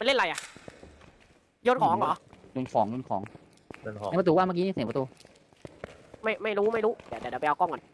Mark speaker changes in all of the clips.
Speaker 1: มันเล่นอะไรอ่ะโยนของเหรอ
Speaker 2: โดนของในประตูว่าเมื่อกี้เสียงประตู
Speaker 1: ไม่รู้เดี๋ยวไปเอากล้องก่อน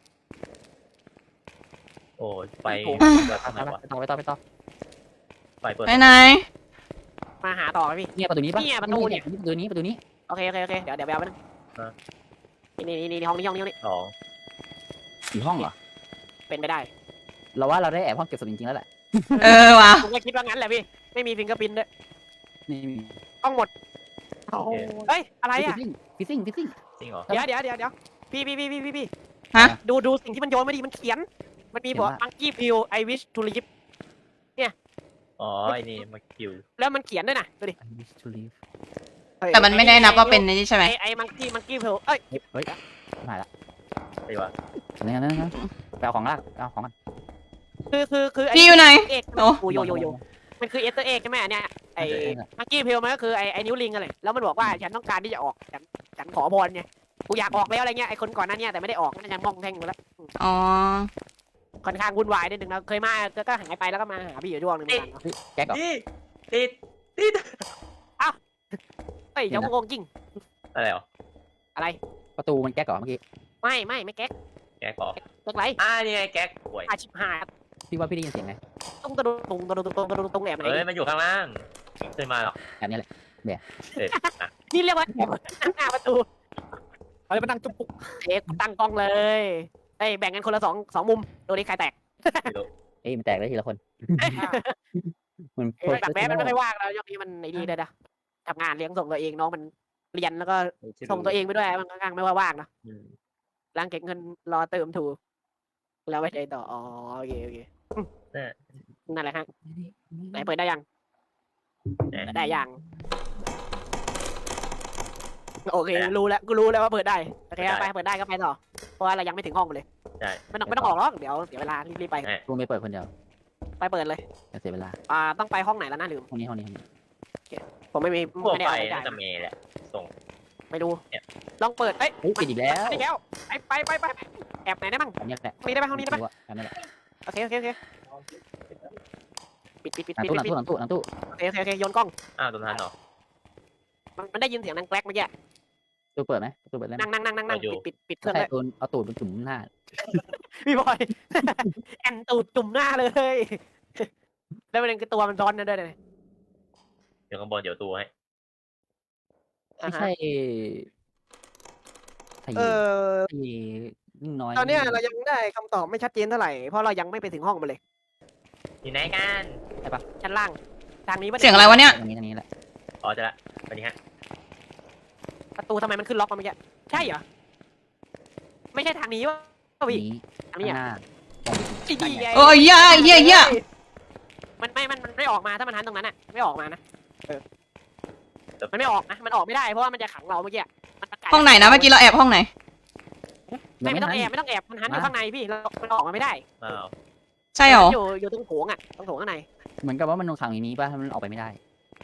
Speaker 3: โอ้ไฟเปิดทางไหนวะ
Speaker 2: ไปต่อ
Speaker 3: ไฟเปิด
Speaker 4: ไหน
Speaker 1: มาหาต่อพี่
Speaker 2: เนี่ยประตูนี้ปะ
Speaker 1: เนี่ยประตูเนี่ย
Speaker 2: ประตูนี้
Speaker 1: โอเคเดี๋ยวไปเอาไปนึงนี่ห้องนี้
Speaker 3: สอง
Speaker 2: อยู่ห้องเหรอ
Speaker 1: เป็นไปได้
Speaker 2: เราว่าเราได้แอบห้องเก็บศพจริงๆแล้วแหละ
Speaker 4: เออว่ะ
Speaker 1: ผมก็คิดว่างั้นแหละพี่ไม่มีฟิงเกอร์พินด้วย
Speaker 2: นี่
Speaker 1: กล้องหมดเฮ้ยอะไรอ่ะ
Speaker 2: ฟิซซิ่ง
Speaker 3: จริงเหรอ
Speaker 1: เดี๋ยวพี่
Speaker 4: ฮะ
Speaker 1: ดูสิ่งที่มันโยนมาดิมันเขียนมันมีบอก Monkey Pill I wish to live
Speaker 3: อ๋อไอ้นี่มาคิว
Speaker 1: แล้วมันเขียนด้วยนะดูดิ
Speaker 4: แต่มันไม่ได้นับว่าเป็นนี่ใช่ไหม
Speaker 1: ไอ้ Monkey Pill เอ้ย
Speaker 2: เฮ้ยมาละ
Speaker 3: ไอ้วะ
Speaker 2: นั่นไปเอาของลากเอาของกัน
Speaker 1: คือ
Speaker 4: พี่อยู่ไหน
Speaker 1: เอก
Speaker 4: โอ้
Speaker 1: โยมันคือเอสเตอร์เอ็กใช่ไหมเนี่ยไอ้ Monkey Pill มันก็คือไอ้นิ้วลิงอะไรแล้วมันบอกว่าฉันต้องการที่จะออกฉันขอพรไงกูอยากออกแล้วอะไรเงี้ยไอ้คนก่อนหน้านี้แต่ไม่ได้ออกนั่นยังมองแท่งอยู่แล้ว
Speaker 4: อ๋อ
Speaker 1: ค่อนข้างวุ่นวายนิดนึงนะเคยมาก็หายไปแล้วก็มาหาพี่อยู่ช่วงนึงเหมือนกันเนาะ
Speaker 2: แก๊กเหรอ
Speaker 3: นี่ติด
Speaker 1: เฮ้ยเดี๋ยวงงจริง
Speaker 3: อะไรเหรอ
Speaker 1: อะไร
Speaker 2: ประตูมันแก๊กเหรอเมื่อกี้
Speaker 1: ไม่แก๊ก
Speaker 3: แก๊กก่อ
Speaker 1: เลิกไร
Speaker 3: นี่ไงแก๊กป่วย
Speaker 1: อาชิบหาย
Speaker 2: พี่ว่าพี่ได้ยินเสียงไง
Speaker 1: ตุ้งแอบไหน
Speaker 3: เฮ้ยมันอยู่ข้างล่างเคยมาหรอ
Speaker 2: แบบนี้แหละ
Speaker 1: นี่เรียกว่าหน้าประตู
Speaker 2: เอาเลยมานั่งจุ๊บปุ๊ก
Speaker 1: เอ๊ะตั้งกล้องเลยเฮ้ยแบ่งกันคนละสองมุมดูดิใครแตก
Speaker 2: เอ้ยมันแตกได้ทีละคนมัน
Speaker 1: แบบแม้มันไม่ค่อยว่างแล้วช่วงนี้มันไอ้นี่ด้วยนะทำงานเลี้ยงส่งตัวเองน้องมันเรียนแล้วก็ส่งตัวเองไปด้วยมันค่อนข้างไม่ว่างนะร่างเก็บเงินรอเติมถูกแล้วไปใจต่ออ๋อโอเคนั่นแหละฮะไหนเปิดได้ยังได้ยังโอเครู้แล้วกูรู้แล้วว่าเปิดได้โอเคไปเปิดได้ก็ไปต่อเพราะว่าเรายังไม่ถึงห้องเลย
Speaker 3: ใช่
Speaker 1: ไม่ต้องออกหรอกเดี๋ยวเสียเวลารีบไป
Speaker 2: กูไม่เปิดคนเดียว
Speaker 1: ไปเปิดเลย
Speaker 2: เสียเวลา
Speaker 1: ต้องไปห้องไหนแล้วนะลืม
Speaker 2: ห้องนี้
Speaker 1: ผมไม่
Speaker 3: พวก
Speaker 1: ได้
Speaker 3: ไฟ
Speaker 1: เอา
Speaker 3: น่าจะเมย์แหละส่ง
Speaker 1: ไม่ดูลองเปิดเอ้ย
Speaker 2: ปิดอีกแล้ว
Speaker 1: ไปแล้วไปแอบไหนได้บ้าง
Speaker 2: อันนี้แหละ
Speaker 1: ห้องนี้ได้ไหมห้องนี้ได้ไหม
Speaker 2: อันนี้แหละ
Speaker 1: โอเคปิด
Speaker 2: หลังตู้
Speaker 1: โอเคโยนกล้อง
Speaker 3: โดนทันเหรอ
Speaker 1: มันได้ยินเสียงดังแกลกเมื่อกี้
Speaker 2: ตู้เปิดไหมตู้เปิดได้ไหม
Speaker 1: นั่งปิดเครื่อง
Speaker 2: ใช่
Speaker 1: เลย
Speaker 2: เอาตูดมันจุ่มหน้า
Speaker 1: พี่บอยแอนตูดจุ่มหน้าเลยแล้วประเด็นคือตัวมันร้อนนั่นด้วยเลย
Speaker 3: เดี๋ยวข้างบนเดี๋ยวตัวให้
Speaker 2: ไม่ใช่ยิ่งน้อย
Speaker 1: ตอนนี้เรายังได้คำตอบไม่ชัดเจนเท่าไหร่เพราะเรายังไม่ไปถึงห้องมันเลย
Speaker 3: อยู่ไหนกัน
Speaker 1: ชั้นล่างทางนี้
Speaker 4: เสียงอะไรวะเนี่ย
Speaker 2: ตรงนี้แหละ
Speaker 3: อ๋อจะละไปนี่ฮะ
Speaker 1: ประตูทำไมมันขึ้นล็อกมาเมื่อกี้ใช่เหรอไม่ใช่ทางนี้วะพี่
Speaker 2: นี้
Speaker 1: ทางนี้อ่ะ
Speaker 4: โอ้ยเหี้ย
Speaker 1: มันไม่ออกมาถ้ามันหันตรงนั้นอ่ะไม่ออกมานะมันไม่ออกนะมันออกไม่ได้เพราะว่ามันจะขังเราเมื่อกี้มันประกาศ
Speaker 4: ห้องไหนนะเมื่อกี้เราแอบห้องไหน
Speaker 1: ไม่ต้องแอบมันหันอยู่ข้างในพี่มันออกมาไม่ได้
Speaker 4: ใช่หรอ
Speaker 1: อยู่ตรงโถงอ่ะตรงโถงข้างใน
Speaker 2: เหมือนกับว่ามันลงขังอย่างนี้ป่ะมันออกไปไม่ได้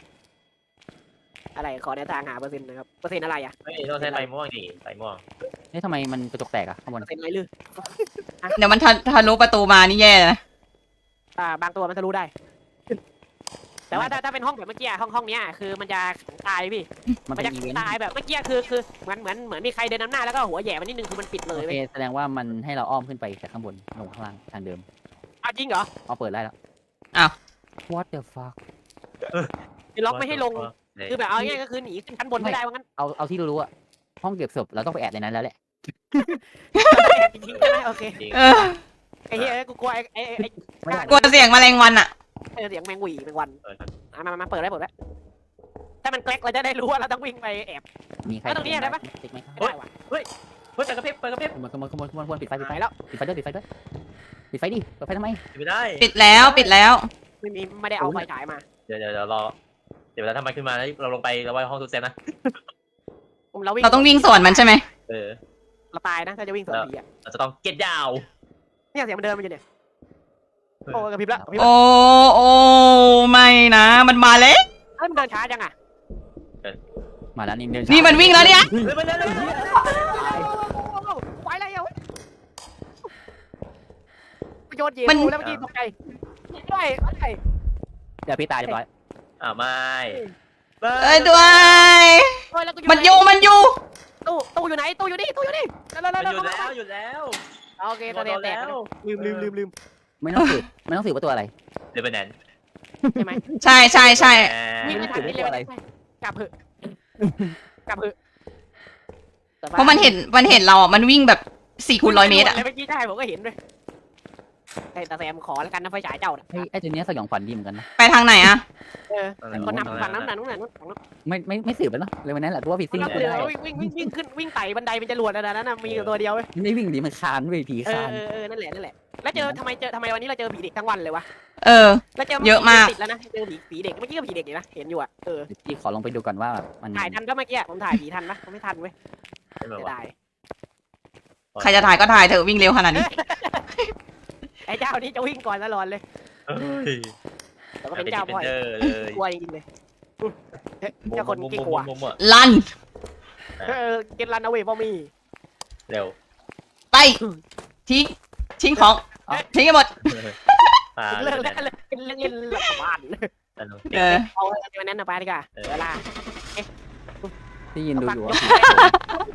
Speaker 1: อะไรขอแนวทางหาเปอร์เซ็นต์นะครับเปอร์เซ็นต์อะไรอ่ะ
Speaker 3: เฮ้ยต้องใช้ไฟม่วงดิไฟม่วง
Speaker 2: นี่ทำไมมันกระจกแตกอะข้างบ
Speaker 1: เป
Speaker 2: น
Speaker 1: อร์เซ็นต์อะไรลือ
Speaker 4: เดี๋ยวมันทะลุประตูมานี่แย่นะ
Speaker 1: บางตัวมันทะลุได้ แต่ว่าถ้าเป็นห้องแบบเมื่อกี้ห้องเนี้ยคือมันจะตายพี่
Speaker 2: มัน
Speaker 1: มัน
Speaker 2: เป็น
Speaker 1: จะ
Speaker 2: อีเวนต์
Speaker 1: ตายแบบเมื่อกี้คือเหมือนมีใครเดินนำหน้าแล้วก็หัวแหย่มันนิดนึงคือมันปิดเล
Speaker 2: โอย เค
Speaker 1: เว้ย
Speaker 2: แสดงว่ามันให้เราอ้อมขึ้นไปจากข้างบนลงข้างล่างทางเดิม
Speaker 1: เอาจริงเหรอ
Speaker 2: เอาเปิดได้แล้ว What the fuck
Speaker 1: คือล็อกไม่ให้ลงคือแบบเอาง่ายก็คือหนีขึ้นชั้นบนไม่ได้ว่างั้น
Speaker 2: เอาที่รู้อะห้องเก็บศพเราต้องไปแอบในนั้นแล้วแหละ
Speaker 1: จริงๆใช่ไหมโอเค
Speaker 4: เออ
Speaker 1: ไอ้เฮ้ยกูกลัวไอ้
Speaker 2: ไม่ได้
Speaker 4: กลัวเสียงแมลงวันอะ
Speaker 1: เสียงแมงหวีแมงวันมาเปิดได้ถ้ามันแกลกเราจะได้รู้ว่าเราต้องวิ่งไปแอบ
Speaker 2: มีใคร
Speaker 1: ตรงนี้ได้ปะ
Speaker 2: ติ๊กไหม
Speaker 1: ไม่ได้ว่ะ
Speaker 3: เฮ้ยเปิดกระพริบ
Speaker 2: ขโมยปิดไฟ
Speaker 1: ไปแล้ว
Speaker 2: ปิดไฟด้วยปิดไฟดิเปิดไฟทำไม
Speaker 3: ไม่ได้
Speaker 4: ปิดแล้ว
Speaker 1: ไม่ได้เอาไฟฉายมา
Speaker 3: เดี๋ยวรอเดี๋ยวถ้ามันขึ้นมาแล้วเราลงไปเราไว้ห้องตู้เซฟนะ
Speaker 4: เราต้องวิ่งสวนมันใช่ไหม
Speaker 1: เราตายนะถ้าจะวิ่งสวนผีอ่ะ
Speaker 3: เราจะต้องเก็ตยาว
Speaker 1: เนี่ยเสียงมันเดินมาอยู่เนี่ยโอ้กระพริบละ
Speaker 4: โอ้ไม่นะมันมาแล้ว
Speaker 1: เฮ้ยมันเดินช้าจังอ่ะ
Speaker 2: มาแล้วนี่เดิน
Speaker 4: นี่มันวิ่งแล้วเนี่ย
Speaker 1: ไปแล้วโยนเย็นแล้วเมื่อกี้ตกใจได้
Speaker 2: เดี๋ยวพี่ตายเรียบร้อย
Speaker 3: ไม่
Speaker 4: เอ้ยด้วย
Speaker 1: เฮ้ยแล้วกู
Speaker 4: มันอยู่มันอยู่
Speaker 1: ตู้อยู่ไหนตู้อยู่นี่ตู้อยู่นี่แล้ว
Speaker 3: มันหยุดแล้วหยุดแล้ว
Speaker 1: โอเคตอนนี้แตกแล้วลืม
Speaker 2: ไม่ต้องสืบว่าตัวอะไร
Speaker 3: เดี๋ยวไปไหน
Speaker 1: ใช่ไหม
Speaker 4: ใช่ใช่ใช่
Speaker 1: วิ่งไม่ทัน
Speaker 2: ไม่
Speaker 1: นี่
Speaker 2: รู้
Speaker 1: เร็ว
Speaker 2: อะไร
Speaker 1: กลับเถอะกลับเถอะ
Speaker 4: เพราะมันเห็นเราอ่ะมันวิ่งแบบ4x100 เมตรอ่ะ
Speaker 1: เมื่อกี้ใช่ผมก็เห็นด้วยแต่แซมขอแล้วกันนะไฟฉายเจ้าน่ะ
Speaker 2: ไอ้ตัวเนี้ยสยองขวัญดีเหมือนกันนะ
Speaker 4: ไปทางไหนอ่ะ
Speaker 1: คนนำฝั่งนั้นนู้น
Speaker 2: ไม่สืบแล้วเนาะเลยวันนั้นแหละตัวผิดซิ่ง
Speaker 1: ก็
Speaker 2: ไม่
Speaker 1: คือ
Speaker 2: ได้
Speaker 1: วิ่งขึ้นวิ่งไต่บันไดเป็นจรวดแล้วนะมีตัวเดียวเว้ย
Speaker 2: ไม่วิ่งดิมันคานเว้ยผีคาน
Speaker 1: นั่นแหละแล้วทำไมวันนี้เราเจอผีเด็กทั้งวันเลยวะ
Speaker 4: เออ
Speaker 1: แล้วเจอ
Speaker 4: เยอะมาก
Speaker 1: ติดแล้วนะเจอผีเด็กเมื่อกี้ก็ผีเด็กอยู่นะเห็นอยู่อ่ะ
Speaker 2: พี่ขอลองไปดูก่อนว่ามัน
Speaker 1: ถ่ายทันปะเมื่อกี้ผมถ่ายผีทันปะผมไม่ทันเว้ย
Speaker 3: ไม่มา
Speaker 1: เสีย
Speaker 3: วะ
Speaker 1: ดาย
Speaker 4: ใครจะถ่ายก็ถ่ายเถอะวิ่งเร็วขนาดนี้
Speaker 1: ไอ้เจ้านี่จะวิ่งก่อนตลอดเลย
Speaker 3: เฮ้ย
Speaker 1: แต่ก็เป็นเจ้าพ่อย
Speaker 3: เลย
Speaker 1: กลัวจริงๆเลยเจ้าคนขี้กลัว
Speaker 4: ลัน
Speaker 1: เกนรันเอาเวฟอมี่
Speaker 3: เร็ว
Speaker 4: ไปทิ้งของทิ้งกันหมด
Speaker 1: เลิกแล้วเล่นหลับบ้าน
Speaker 4: เออ
Speaker 1: เอาวันนั้นไปดีกว่าเวลา
Speaker 2: ที่ยินดูอยู่ว่า